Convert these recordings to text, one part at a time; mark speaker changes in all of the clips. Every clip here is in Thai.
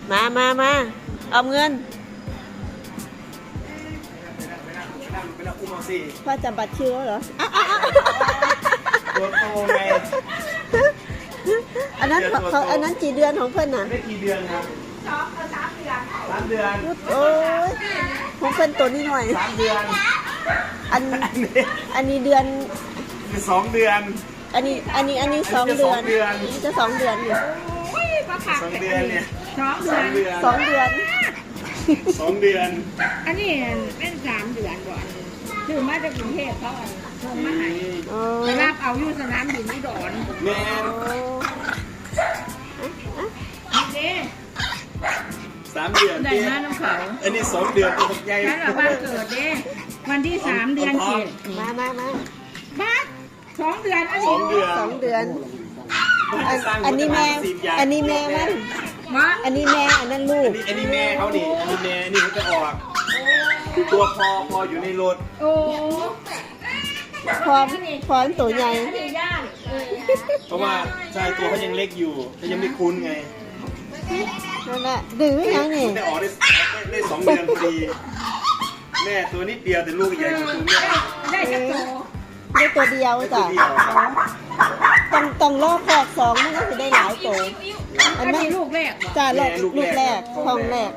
Speaker 1: มาเอาเงินพ่อจำบัตรคิวแล้วเหรอ
Speaker 2: ตัวโตไง
Speaker 1: อันนั้นกี่เดือนของเพื่อนน่ะ
Speaker 2: ได้กี่เดือนครับ3 เดือน
Speaker 1: โอ้ยของเพื่อนตัวนี้หน่อย
Speaker 2: 3 เดือน
Speaker 1: อันนี้เดือน
Speaker 2: 2 เดือน
Speaker 1: อันนี้2 เดือนจะ2 เดือนอยู่
Speaker 2: 2 เดือนเนี่ย
Speaker 1: 2 เดือน
Speaker 2: 2 เดือน
Speaker 3: อันนี้เป็น3 เดือนก่อนคือมาจากกรุงเทพเขาส่งมาให้ไปรับเอาอยู่สนามบินที่ดอน
Speaker 2: แม่3 เดือน
Speaker 3: ได้มาน้ำเขา
Speaker 2: อันนี้2 เดือนตัวใหญ่
Speaker 3: ฉันแบบวันเกิดเด้วันที่3 เดือนเจ็ด
Speaker 1: มา
Speaker 3: บ้า2 เดือนอันนี้
Speaker 1: 2 เดือนอันนี้แม่มันอันนี้แม่อันนั้นลูก
Speaker 2: อันนี้แม่เขาดิอันนี้แม่นี่เขาจะออกตัวพออยู่ในรถ
Speaker 3: โอ้
Speaker 1: พร้อมตัวใหญ่
Speaker 2: เพราะว่าใช่ตัวเขายังเล็กอยู่เขายังไม่คุ้นไง
Speaker 1: นั่นแหละดื้อยังนี่
Speaker 2: ได้ออกได้2 เดือนพอดีแม่ตัวนิดเดียวแต่ลูกใหญ่กว่าตัวแม่
Speaker 3: ได้จักโต
Speaker 1: ได้ตัวเดียวจ้ะต้องรอคอก2มันก็จะได้หลายตัว
Speaker 3: อันนี้ลูกแรก
Speaker 1: จ้ะลูกแรกท้องแรก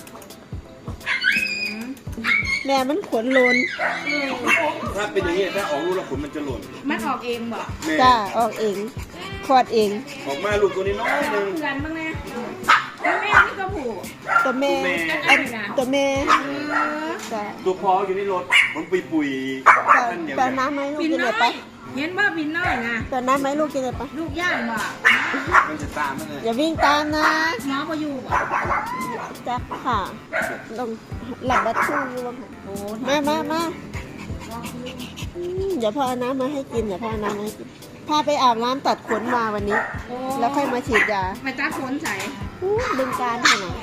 Speaker 1: แม่มันขนหล่น
Speaker 2: ถ้าเป็นอย่างนี้ถ้าออกลูกแล้วขนมันจะหล่น
Speaker 3: มันออกเองบ่
Speaker 1: จ้ะออกเองคลอดเอง
Speaker 2: ออกมาลูกตัวนี้น้อยนึง
Speaker 3: เดือนบ้างนะแล้วแม่นี่ก็ผูก
Speaker 1: ตัวแม่
Speaker 2: ตัวพออยู่ในรถผมปุย
Speaker 1: ตอนน้ำไหมลูกกินเลยไป
Speaker 3: เห็นว่าบินน้อยนะ
Speaker 1: ตอนน้ำไหมลูกกินเลยไป
Speaker 3: ลูกย่างบ่
Speaker 2: มันจะตามมันเลย
Speaker 1: อย่าวิ่งตามนะ
Speaker 3: หมอพอยู่
Speaker 1: จักค่ะลงหลับบัตรชูอยู่มาเดี๋ยวพ่อเอาน้ำมาให้กินพาไปอาบน้ำตัดขนมาวันนี้แล้วค่อยมาฉีดยา
Speaker 3: ไปตัดขนใส่
Speaker 1: ดึงการขนาด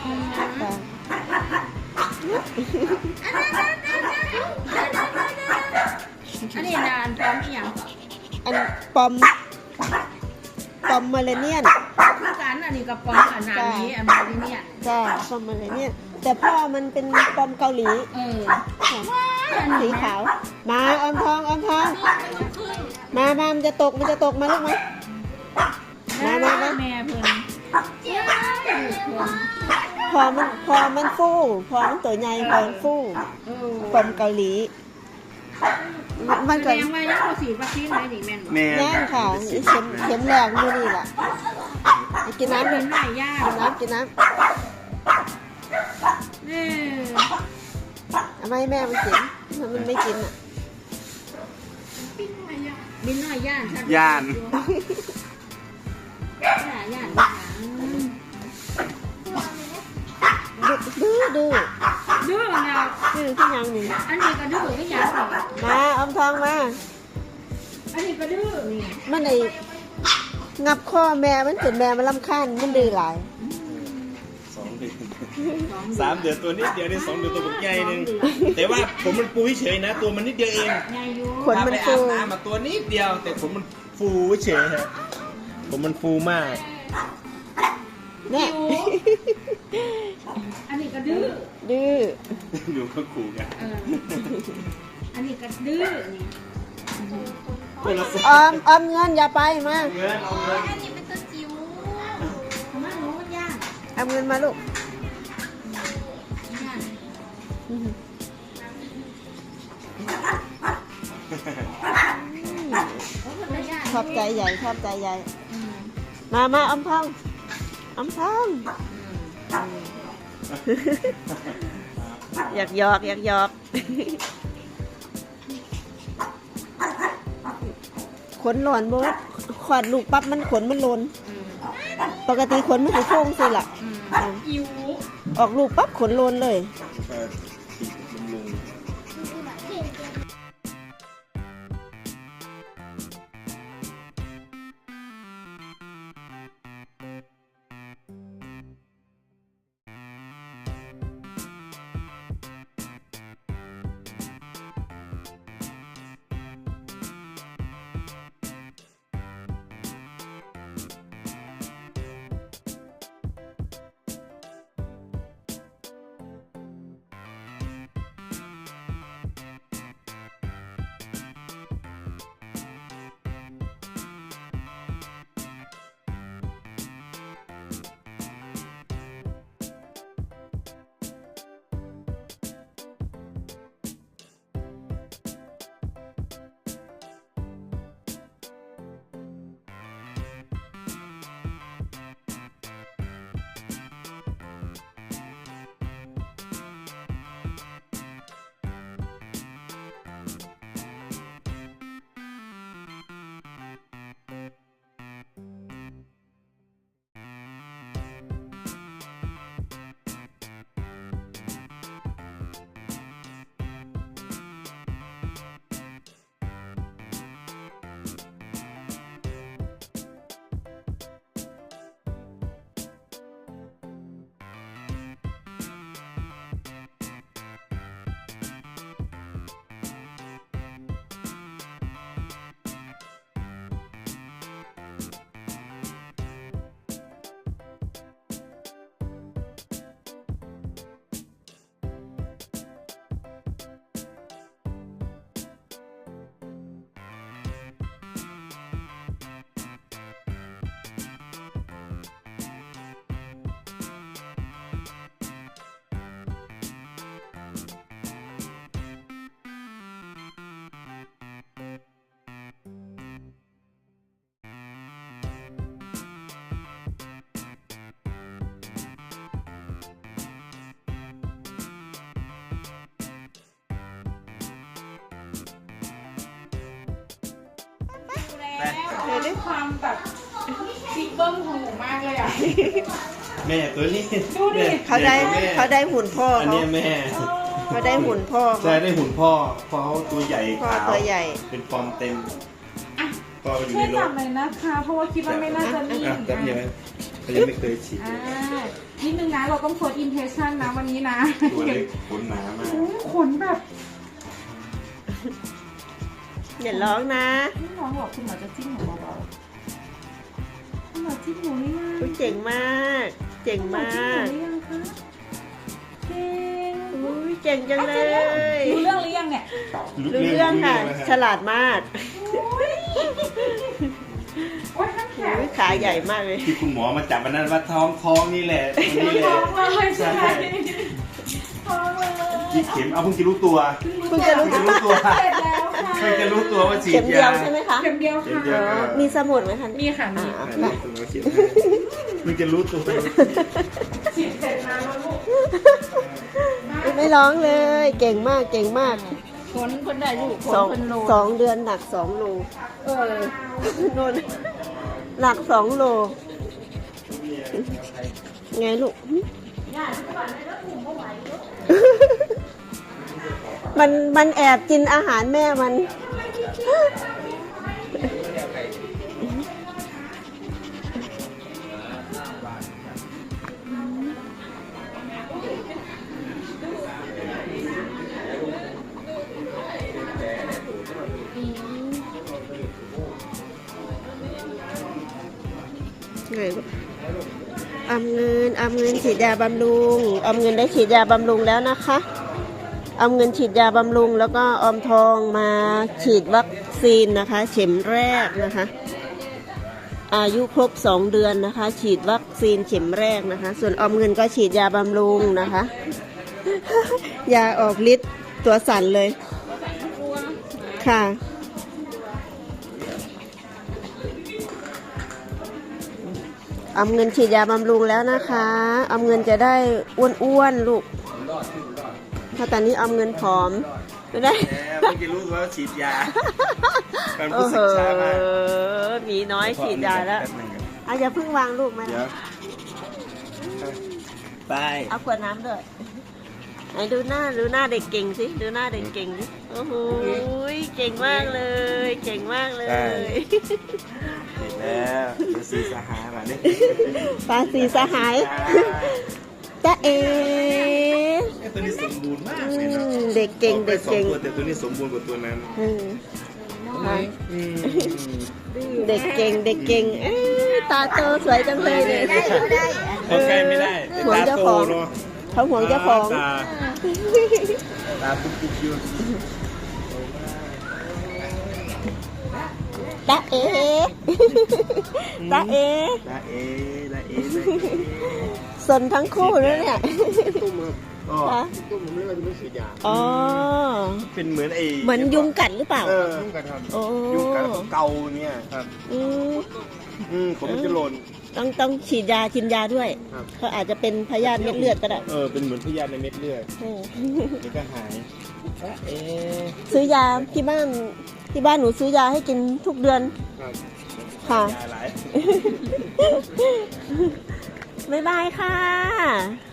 Speaker 3: อันนี้นานพร้อมอย่าง
Speaker 1: อันปอมมาเลเนียน
Speaker 3: คือกันอันนี้กับปอมอันนี้อันมาเลเนียน
Speaker 1: จ้าปอมมาเลเนียนแต่พ่อมันเป็นปอมเกาหลีสีขาวมาอมทองมามันจะตกมาลูกไหมมา
Speaker 3: แม่เพิ่น
Speaker 1: พอมันฟูพอมันตัวใหญ่พอมันฟูปอมเกาหลี
Speaker 3: มันก็ยังไม่ยังฉีดวัคซีนได้ดิแม่
Speaker 1: ย่างค่ะเข็มแรกนี่แหละกินน้ำ
Speaker 3: เป็นหน่อยย่า
Speaker 1: กินน้ำทำไมแม่มันกินมันไม่กินอ่ะ
Speaker 3: บินหน่อยย่าน
Speaker 1: ดื้อ
Speaker 3: นะ
Speaker 1: ที่ยังนี่
Speaker 3: อันนี้ก็ดื้อที่ยัง
Speaker 1: มาอมทองมา
Speaker 3: อันนี้ก็ดื้อนี่
Speaker 1: มันไอ้งับข้อแม่มันจนแม่มันรำคาญมันดื้อหลาย
Speaker 2: 2 เดือน3 เดือนตัวนิดเดียวนี่2 เดือนตัวใหญ่นึงแต่ว่าผมมันฟูเฉยนะตัวมันนิดเดียวเอง
Speaker 1: ขนมันฟู
Speaker 2: มาตัวนิดเดียวแต่ผมมันฟูเฉยฮะผมมันฟูมาก
Speaker 1: เนี่ย
Speaker 3: อันนี้ก็ดื้อ
Speaker 2: อยู่ก็ขู่กัน
Speaker 3: อันนี้ก็ดื้อนี่
Speaker 1: อมเงินอย่าไปมา
Speaker 2: เงิน
Speaker 3: อันนี้เป็นตัวจิ๋วมาหนูมันยาก
Speaker 1: เอาเงินมาลูกชอบใจใหญ่มาอมทองอยากหยอกขนหล่นบ่ขวดลูกปั๊บมันขนมันหล่นปกติขนมันจะโค้งสิล่ะออกลูกปั๊บขนหล่นเลย
Speaker 3: ความแบบซิงเกิลของหนูมากเลยอ่ะ
Speaker 2: แม่ตัวนี้
Speaker 3: ดูดิ
Speaker 1: เขาได้
Speaker 2: แม่
Speaker 1: เขาได้หุ่นพ่อ
Speaker 2: อัน
Speaker 1: เขา
Speaker 2: นี้แม่
Speaker 1: เขาได้หุ่นพ่อ
Speaker 2: ใช่ได้หุ่นพ่อพ่อเขาตัวใหญ่
Speaker 1: พ่อ
Speaker 2: ขาว
Speaker 1: ตัวใหญ่
Speaker 2: เป็นฟอร์มเต็ม
Speaker 3: อ่ะ
Speaker 2: พ่ออยู่
Speaker 3: ช่ว
Speaker 2: ใน
Speaker 3: ย
Speaker 2: ร
Speaker 3: จั
Speaker 2: ถ
Speaker 3: บหน่อยนะคะ เพราะว่าคิดว่าไม่น่าจะนิ่ง
Speaker 2: อ่ะจับยังไงเขายังไม่เคยฉีด
Speaker 3: อ่านิดนึงนะเราต้องโพสอินเทรชั่นนะวันนี้นะ
Speaker 2: ตัวเล็กขนหนามาก
Speaker 3: โอ้ยขนแบบ
Speaker 1: อย่าร้องนะ
Speaker 3: ไม่น้องบอกคุณหมอจะจิ้มหนูเบาๆคุณหมอจิ้มหนูหรือยัง
Speaker 1: อุ๊ยเจ๋งมาก เจ๋ง
Speaker 3: คุณหมอ
Speaker 1: มา
Speaker 3: จิ้มหนู
Speaker 1: ก
Speaker 3: หรือยังคะเก่ง
Speaker 1: อุ้ยเจ๋งจังเลย
Speaker 3: รู้เรื่องหรือยังเนี่ย
Speaker 1: รู้เรื่องค่ะ
Speaker 2: รู้เรื่อง
Speaker 1: ฉลาดมาก
Speaker 3: โอ้ยท่านแขก
Speaker 1: อุ๊ยขาใหญ่มากเลย
Speaker 2: ที่คุณหมอมาจับมันนั้นว่าท้องนี่แหละตรงนี้แหละ
Speaker 3: ท้องเลยใช่ไหมท้องเลย
Speaker 2: กี่เข็มเอาเพิ่งจะรู้ตัว
Speaker 1: เพิ่งจะรู้
Speaker 2: เพิ่งจะรู้ตัว
Speaker 3: เสร็จแล้วค่ะ
Speaker 2: เพิ่งจะรู้ตัวว่าฉีด
Speaker 1: เข็มเดีย
Speaker 2: ยาว
Speaker 1: ใช่ไหมคะ
Speaker 3: เข็มเดียว
Speaker 2: เข็ม
Speaker 3: ค่ะ
Speaker 2: เดียว
Speaker 1: มีสมุดไหมคะ
Speaker 3: มีค่ะมี
Speaker 1: อ่า
Speaker 2: อ่ะนี่คุณหมอเขียนให้เพิ่งจะรู้ตัว
Speaker 3: ฉีดเสร็จมาแล้วลูก
Speaker 1: ไม่ร้องเลย เก่งมาก เก่งมาก
Speaker 3: ขนคนได้ลูกขน
Speaker 1: สอง
Speaker 3: คนโล
Speaker 1: สองเดือนหนัก2 โล
Speaker 3: เออ
Speaker 1: โน่นหนัก2 โล ไงลูก มันแอบกินอาหารแม่มัน ไงลูกอำเงินฉีดยาบำรุงอำเงินได้ฉีดยาบำรุงแล้วนะคะอำเงินฉีดยาบำรุงแล้วก็ออมทองมาฉีดวัคซีนนะคะ เข็มแรกนะคะ อายุครบ2 เดือนนะคะ ฉีดวัคซีนเข็มแรกนะคะ ส่วนออมเงินก็ฉีดยาบำรุงนะคะ ยาออกฤทธิ์ตัวสั่นเลยค่ะอำเงินฉีดยาบำรุงแล้วนะคะอำเงินจะได้อ้วนๆลูกเพราะตอนนี้อำเงินผอมไม่ได้
Speaker 2: แล้วเพิ่งจะรู้ว่าฉีดยาการ
Speaker 1: โอ้
Speaker 2: รู้
Speaker 1: โห
Speaker 2: สึกช้ามาก
Speaker 1: หมีน้อยฉีดยาแล้ว
Speaker 2: ป๊บนึงครับ
Speaker 1: อาอย่าเพิ่งวางลูกมา
Speaker 2: เดี๋ยวไป
Speaker 1: เอาขวดน้ำด้วยไหนดูหน้าเด็กเก่งสิดูหน้าเด็กเก่งสิโอ้โหเก่งมากเลย เก่งมากเลย
Speaker 2: ฉีดแล้วเดี๋ยวสีสหายมาดิ
Speaker 1: ปลาสีสหายจ้าเอ
Speaker 2: ตัวนี้สมบูรณ์มาก
Speaker 1: อื
Speaker 2: เลยเนาะ
Speaker 1: มเด็กเก่ง
Speaker 2: ออไป
Speaker 1: เด็ก
Speaker 2: สอง
Speaker 1: เก่ง
Speaker 2: ตัวแต่ตัวนี้สมบูรณ์กว่าตัวนั้น
Speaker 1: อืมค่ะ
Speaker 2: อืม
Speaker 1: เด็กเก่งเด็กเก่งเอ้ยตาโตสวยจังเลยเนี่ย
Speaker 2: เขาใกล้ไม่ได้แต่
Speaker 1: ห่วง
Speaker 2: ตา
Speaker 1: เจ้า
Speaker 2: โต
Speaker 1: ของ
Speaker 2: เนาะ
Speaker 1: เขาห่วงเจ้าของ
Speaker 2: ตาปุ๊บปุ๊บอยู่
Speaker 1: ตาเอตาเอ
Speaker 2: ตาเอตาเอ
Speaker 1: สนทั้งคู่แล้วเนี่ย
Speaker 2: อ๋อ
Speaker 1: คะ
Speaker 2: ตุ้มผมเรียกว่าจะไม่ฉีดยา
Speaker 1: อ๋อ
Speaker 2: เป็นเหมือนไอ้
Speaker 1: เหมือนยุงกัดหรือเปล่า
Speaker 2: ยุงกัดครับ
Speaker 1: โอ้
Speaker 2: ยุงกัดแล้วเกาเนี่ยครับ
Speaker 1: อืม
Speaker 2: ผมมันจะหล่น
Speaker 1: ต้องฉีดยากินยาด้วย
Speaker 2: ครับ
Speaker 1: เขาอาจจะเป็นพยาธิเม็ดเลือดก็ได้
Speaker 2: เป็นเหมือนพยาธิในเม็ดเลือด
Speaker 1: เออ
Speaker 2: เดี๋ยวก็หายเอ๊ะ
Speaker 1: ซื้อยาที่บ้านหนูซื้อยาให้กินทุกเดือน
Speaker 2: ครับ
Speaker 1: ค่ะ
Speaker 2: ยาหลาย
Speaker 1: บ๊ายบายค่ะ